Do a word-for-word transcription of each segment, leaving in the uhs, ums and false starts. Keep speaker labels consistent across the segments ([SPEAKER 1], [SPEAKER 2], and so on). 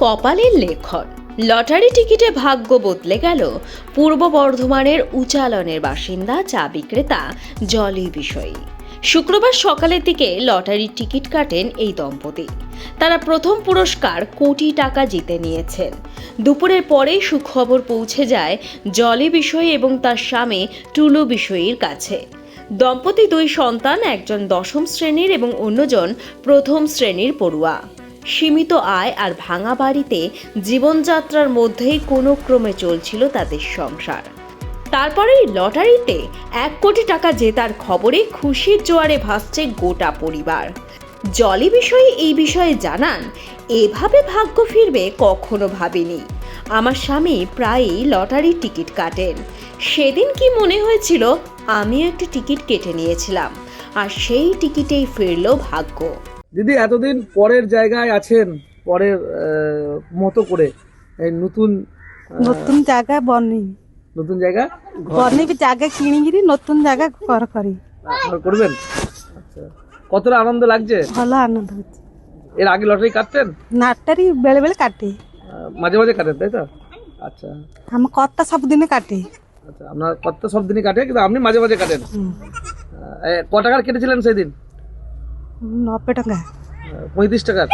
[SPEAKER 1] কপালের লেখন। লটারি টিকিটে ভাগ্য বদলে গেল পূর্ব বর্ধমানের উচালনের বাসিন্দা চা বিক্রেতা জলি বিষয়ী। শুক্রবার সকালের দিকে লটারির টিকিট কাটেন এই দম্পতি। তারা প্রথম পুরস্কার কোটি টাকা জিতে নিয়েছেন। দুপুরের পরেই সুখবর পৌঁছে যায় জলি বিষয়ী এবং তার স্বামী টুলু বিষয়ীর কাছে। দম্পতি দুই সন্তান, একজন দশম শ্রেণীর এবং অন্যজন প্রথম শ্রেণীর পড়ুয়া। সীমিত আয় আর ভাঙা বাড়িতে জীবনযাত্রার মধ্যেই কোনো ক্রমে চলছিল তাদের সংসার। তারপরেই লটারিতে এক কোটি টাকা জেতার খবরে খুশির জোয়ারে ভাসছে গোটা পরিবার। জলি বিষয়ী এই বিষয়ে জানান, এভাবে ভাগ্য ফিরবে কখনো ভাবিনি। আমার স্বামী প্রায়ই লটারির টিকিট কাটেন। সেদিন কি মনে হয়েছিল আমিও একটি টিকিট কেটে নিয়েছিলাম, আর সেই টিকিটেই ফিরল ভাগ্য।
[SPEAKER 2] দিদি, এতদিন পরের জায়গায় আছেন, পরের মতো করে এই নতুন
[SPEAKER 3] নতুন জায়গা বনি
[SPEAKER 2] নতুন জায়গা
[SPEAKER 3] বনি জায়গা কিনিকিরি নতুন জায়গা ঘর করি
[SPEAKER 2] ঘর করবেন। আচ্ছা, কতটা আনন্দ লাগছে?
[SPEAKER 3] ভালো আনন্দ হচ্ছে।
[SPEAKER 2] এর আগে লটারি কাটতেন?
[SPEAKER 3] নাটারি বেলে বেলে কাটে,
[SPEAKER 2] মাঝে মাঝে কাটেন, তাই তো? আচ্ছা,
[SPEAKER 3] আমার কর্তা সবদিনে কাটে।
[SPEAKER 2] আচ্ছা, আপনার কত সব দিনই কাটে, কিন্তু আপনি মাঝে মাঝে কাটেন। ক টাকার কেটেছিলেন সেদিন?
[SPEAKER 3] নব্বই টাকা।
[SPEAKER 2] পঁয়ত্রিশ টাকার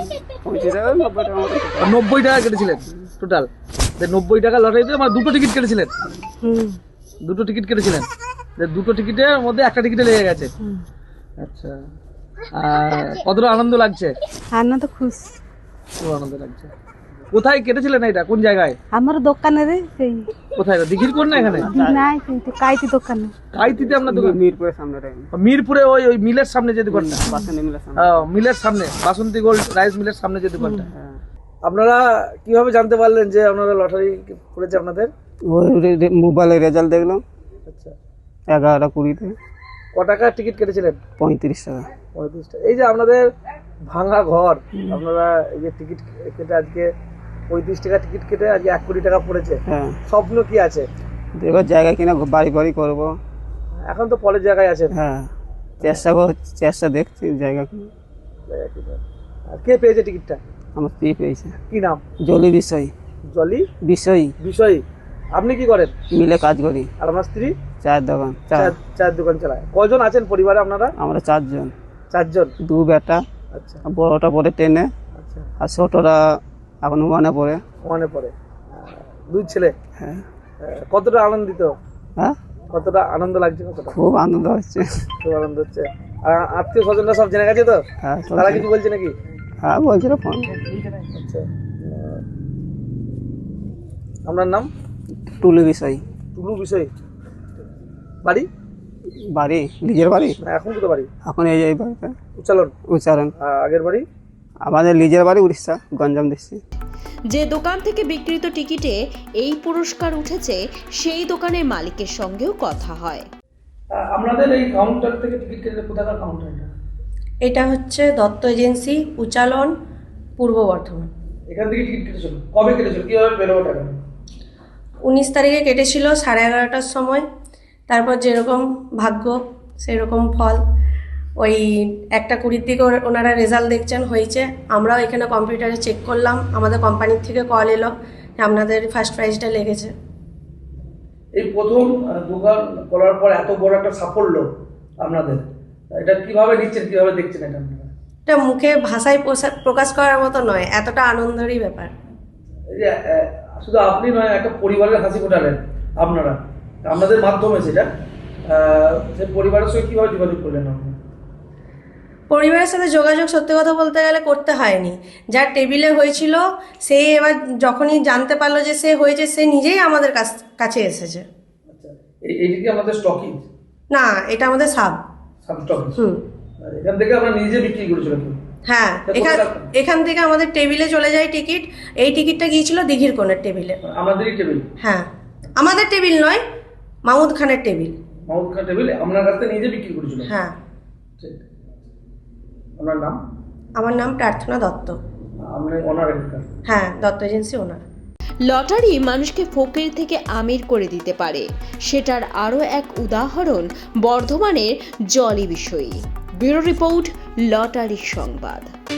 [SPEAKER 2] নব্বই টাকা কেটেছিলেন টোটাল। নব্বই টাকা লটারিতে মানে দুটো টিকিট কেটেছিলেন। দুটো টিকিট কেটেছিলেন, দুটো টিকিটের মধ্যে একটা টিকিটে লেগে গেছে। আচ্ছা, আর কতটা আনন্দ লাগছে?
[SPEAKER 3] আনন্দ খুশ,
[SPEAKER 2] খুব আনন্দ লাগছে। কোথায় কেটেছিলেন এটা, কোন জায়গায়?
[SPEAKER 3] আমার দোকানে রে। সেই
[SPEAKER 2] কোথায়, দিঘির কোন না এখানে?
[SPEAKER 3] নাই, কিন্তু কাইতি দোকানে।
[SPEAKER 2] কাইতিতে আপনার দোকান? মিরপুরের সামনে। মিরপুরে ওই ওই মিলের সামনে যে দোকানটা, মিলের সামনে, বাসন্তী গোল্ড রাইস মিলের সামনে যে দোকানটা। আপনারা কিভাবে জানতে পারলেন যে আপনারা লটারি পড়েছে আপনাদের?
[SPEAKER 4] ওই মোবাইলে রেজাল্ট দেখলাম।
[SPEAKER 2] আচ্ছা,
[SPEAKER 4] এগারোটা কুড়িতে।
[SPEAKER 2] ক টাকার টিকিট কেটেছিলেন?
[SPEAKER 4] পঁয়ত্রিশ টাকা।
[SPEAKER 2] পঁয়ত্রিশ টাকা। এই যে আপনাদের ভাঙা ঘর, আপনারা এই যে টিকিট কেটে আজকে পঁয়ত্রিশ টাকা টিকিট কেটে আজকে এক কোটি টাকা পড়েছে,
[SPEAKER 4] হ্যাঁ,
[SPEAKER 2] স্বপ্ন কি আছে?
[SPEAKER 4] এবার জায়গা কিনা বাড়ি বাড়ি করবো।
[SPEAKER 2] এখন তো পরের জায়গায় আছেন।
[SPEAKER 4] হ্যাঁ, চেষ্টা কর চেষ্টা দেখছি জায়গা কিনা।
[SPEAKER 2] আর কে পেয়েছে টিকিটটা?
[SPEAKER 4] আমার স্ত্রী পেয়েছে।
[SPEAKER 2] কি নাম?
[SPEAKER 4] জলি বিষয়।
[SPEAKER 2] জলি
[SPEAKER 4] বিষয়
[SPEAKER 2] বিষয়ী। আপনি কি করেন?
[SPEAKER 4] মিলে কাজ করি।
[SPEAKER 2] আর আমার স্ত্রী
[SPEAKER 4] চায়ের দোকান।
[SPEAKER 2] চায়ের দোকান চালায়। কয়জন আছেন পরিবারে আপনারা?
[SPEAKER 4] আমরা চারজন।
[SPEAKER 2] চারজন।
[SPEAKER 4] দু বেটা।
[SPEAKER 2] আচ্ছা,
[SPEAKER 4] বড়টা পড়ে টেনে।
[SPEAKER 2] আচ্ছা,
[SPEAKER 4] আর ছোটরা এখন ওয়ানে পড়ে।
[SPEAKER 2] ওয়ানে পড়ে। দুই ছেলে।
[SPEAKER 4] হ্যাঁ।
[SPEAKER 2] কতটা আনন্দিত?
[SPEAKER 4] হ্যাঁ,
[SPEAKER 2] কতটা আনন্দ লাগছে? কতটা?
[SPEAKER 4] খুব আনন্দ হচ্ছে।
[SPEAKER 2] খুব আনন্দ হচ্ছে। আর আত্মীয় স্বজনরা সব জেনে গেছে তো?
[SPEAKER 4] হ্যাঁ,
[SPEAKER 2] তারা কিছু বলছে নাকি?
[SPEAKER 4] হ্যাঁ বলছিল ফোন।
[SPEAKER 2] আচ্ছা, আপনার নাম?
[SPEAKER 4] টুলু বিষয়।
[SPEAKER 2] টুলু বিষয়। বাড়ি?
[SPEAKER 4] বাড়ি নিজের বাড়ি।
[SPEAKER 2] এখন কোথায় বাড়ি?
[SPEAKER 4] এখন এই এই বাড়িতে
[SPEAKER 2] উচ্চারণ।
[SPEAKER 4] উচ্চারণ।
[SPEAKER 2] আগের বাড়ি?
[SPEAKER 4] আমাদের নিজের বাড়ি উড়িষ্যা, গঞ্জাম ডিস্ট্রিক্ট।
[SPEAKER 1] যে দোকান থেকে বিক্রিত টিকিটে এই পুরস্কার উঠেছে, সেই দোকানের মালিকের সঙ্গেও কথা হয়।
[SPEAKER 2] আপনাদের এই কাউন্টার থেকে টিকিট কেটে কোথাকার কাউন্টার এটা?
[SPEAKER 5] এটা হচ্ছে দত্ত এজেন্সি, উচালন, পূর্ব বর্ধমান।
[SPEAKER 2] এখান থেকে টিকিট কেটেছিল? কবে কেটেছিল? কিভাবে পেলো টাকা?
[SPEAKER 5] উনিশ তারিখে কেটেছিল সাড়ে এগারোটার সময়। তারপর যেরকম ভাগ্য সেরকম ফল। ওই একটা কুড়ির দিকে ওনারা রেজাল্ট দেখছেন হয়েছে। আমরাও এখানে কম্পিউটারে চেক করলাম, আমাদের কোম্পানির থেকে কল এলো যে আপনাদের ফার্স্ট প্রাইজটা লেগেছে।
[SPEAKER 2] এই প্রথম দোকান করার পর এত বড় একটা সাফল্য আপনাদের, এটা কিভাবে নিচ্ছেন, কিভাবে দেখছেন এটা আপনারা?
[SPEAKER 5] এটা মুখে ভাষায় প্রকাশ করার মতো নয়, এতটা আনন্দেরই ব্যাপার।
[SPEAKER 2] এই যে শুধু আপনি নয়, একটা পরিবারের হাসি ফোটালেন আপনারা আপনাদের মাধ্যমে। সেটা সেই পরিবারের সঙ্গে কিভাবে যোগাযোগ করলেন আপনারা?
[SPEAKER 5] পরিবারের সাথে যোগাযোগ সত্যি কথা বলতে গেলে করতে হয়নি। যার টেবিলে হয়েছিল সে এবার যখনই জানতে পারলো যে সে হয়েছে, সে নিজেই আমাদের কাছে এসেছে।
[SPEAKER 2] আচ্ছা, এইটা কি আমাদের স্টকিং?
[SPEAKER 5] না, এটা আমাদের সাব
[SPEAKER 2] সাব স্টকিং।
[SPEAKER 5] হুম,
[SPEAKER 2] এখান থেকে আমরা নিজে বিক্রি করেছিলাম।
[SPEAKER 5] হ্যাঁ, এখান এখান থেকে আমাদের টেবিলে চলে যায় টিকিট। এই টিকিটটা গিয়েছিল দিঘির কোণের টেবিলে।
[SPEAKER 2] আমাদেরই টেবিল?
[SPEAKER 5] হ্যাঁ, আমাদের টেবিল নয়, মাহমুদ খানের টেবিল।
[SPEAKER 2] মাহমুদ খান টেবিল আপনার কাছ থেকে নিজে বিক্রি করেছিল?
[SPEAKER 5] হ্যাঁ।
[SPEAKER 2] ঠিক। আপনার নাম?
[SPEAKER 5] আমার নাম প্রার্থনা দত্ত।
[SPEAKER 2] আপনি ওনার?
[SPEAKER 5] হ্যাঁ, দত্ত এজেন্সি ওনার।
[SPEAKER 1] লটারি মানুষকে ফকির থেকে আমির করে দিতে পারে, সেটার আরও এক উদাহরণ বর্ধমানের জলি বিষয়ী। ব্যুরো রিপোর্ট, লটারি সংবাদ।